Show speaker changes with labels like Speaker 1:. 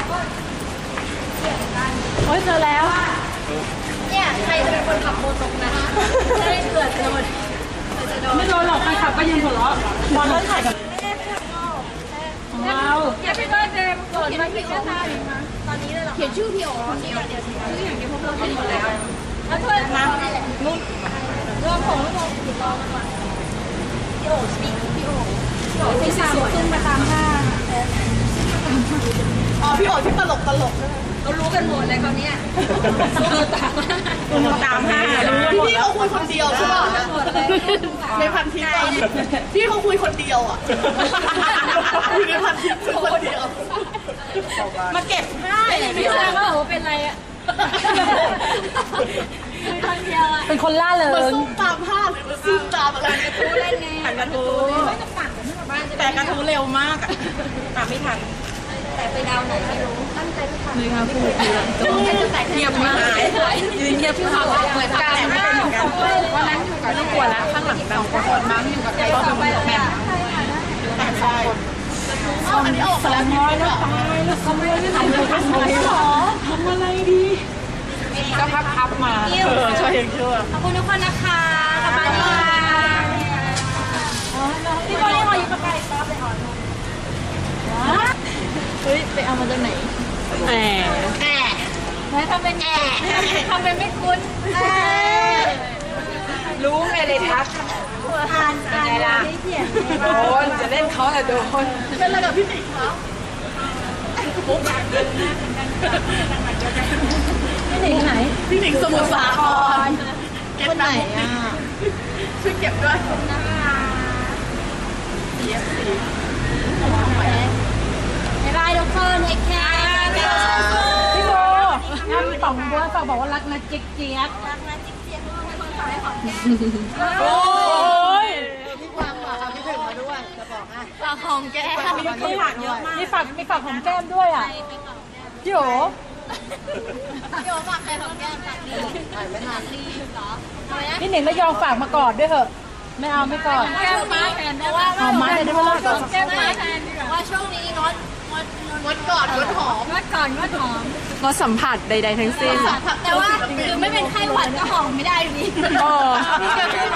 Speaker 1: โอ้ยเจอแล้ว
Speaker 2: เนี่ยใครจะเป็นคนขับโมตกนะจะได้เกิดโดน
Speaker 1: ไม่โดนหรอกใครขับก็ยังหัวเราะบอลเล่นถ่ายกับของเรา
Speaker 2: อย่าไปเบิร์ดเดย์เกิดมาพี่โอ๊ตอนนี้เลยหรอเขียนชื่อพี่โอ๊ตชื่ออย่างเดียวชื่ออย่างเดียวพวกเราเป็นหมดแล้วแล้วถ้วยน้ำนุ่นรวมผงรวมติดต่อมาก่อนพี่โอ๊ตพี่โอ๊ตพี่สาวขึ้นมาตามหน้า
Speaker 3: อ๋อพี่โอ๊ตที่ตลกใช่ไหม
Speaker 2: เขารู้กันหมดเลยเขาเนี้ย
Speaker 3: ตามห้าพี่เขาคุยคนเดียวใช่ป่ะในพันทิปพี่เขาคุยคนเดียวอ่ะคุยในพันทิปคุยคนเดียวมาเก็บให้
Speaker 2: ไม่ทราบว่าโอ้เป็นไรอ่ะคนเดียวอ่ะ
Speaker 1: เป็นคนล่าเลย
Speaker 3: มาซุ่มตามภาพหรือมาซุ่มตามอะไร
Speaker 2: กระทู้เล่นไง
Speaker 3: กระทู้แต่กระทู้เร็วมากอ่ะตามไม่ทัน
Speaker 2: แต่ไปดาวไหนไม่รู้ตั้งใจไม่ทัน
Speaker 1: เลยค่ะพูด
Speaker 3: เงียบมาก
Speaker 2: ยืนเงียบที่เขาบอกเหมือนกันแต่ไม่เป็นเหมือนกัน
Speaker 1: วันนั้นอยู่กับลูกกลัวแล้วข้างหลังเราคนมั้งอยู่กับเราเป็นแม่
Speaker 3: ใช่อันนี้ออกแล้ว
Speaker 1: น้อยแล้วตายแล้วทำอะไรไม่ทำเลยทำอะไรดีก็พับมา
Speaker 3: ช่วยยังชั่ว
Speaker 2: ขอบคุณทุกคนนะคะขอบคุณค่ะพี่บอลนี่ขออยู่กับใครซอฟเลยอ่อน
Speaker 1: เฮ้ยไปเอามาจากไหน
Speaker 2: แม่ทำเป็นทำเป็นไม่คุ้น
Speaker 1: รู้ไงเลยทัก
Speaker 2: อ่านล่ะ
Speaker 1: โดนจะเล่นเขาแต่โดน
Speaker 3: เป็นอะไรกับพี่ติ๋งคะ
Speaker 1: พี่หนิงไหน
Speaker 3: พี่หนิงสมุทรสาคร
Speaker 1: คนไหนอ่ะ
Speaker 3: ช่วยเก็บด้วย
Speaker 2: บ๊ายบายทุกคนเอ็กแคร์
Speaker 1: พี่โบพี่ป๋องบัวฝากบอกว่ารักนะเจ๊กเจี๊ยบ
Speaker 2: รักนะจิ๊กเจี๊ยบคนฝากให้ของ
Speaker 1: โอ้ย
Speaker 3: พี่วางฝากพี่ถึงมาด้วยจะบอกให้
Speaker 2: ฝากของแก
Speaker 3: มีฝากเยอะมาก
Speaker 1: มีฝากของแก้มด้วยอ่ะพี่โอ
Speaker 2: พี่โอฝากใครของแก้มฝากดีไม่ทันรีบเหรอ
Speaker 1: พี่หนิงแล้วยอมฝากมากอดด้วยเหอะไม่เอาไม่กอด
Speaker 2: แก้มมาแทนได้ว่า
Speaker 1: เอามาได้ไหม
Speaker 2: แก้มมาแทนว่าช่วงนี้งด
Speaker 3: กอดงดหอม
Speaker 2: งดก่อนงดหอม
Speaker 1: งดสัมผัสใดๆทั้งสิ้น
Speaker 2: แต่ว่าคือไม่เป็นไข้หวัดก็หอมไม่ได้อยู่ดี
Speaker 1: อ๋อ
Speaker 2: นี่ก็คือ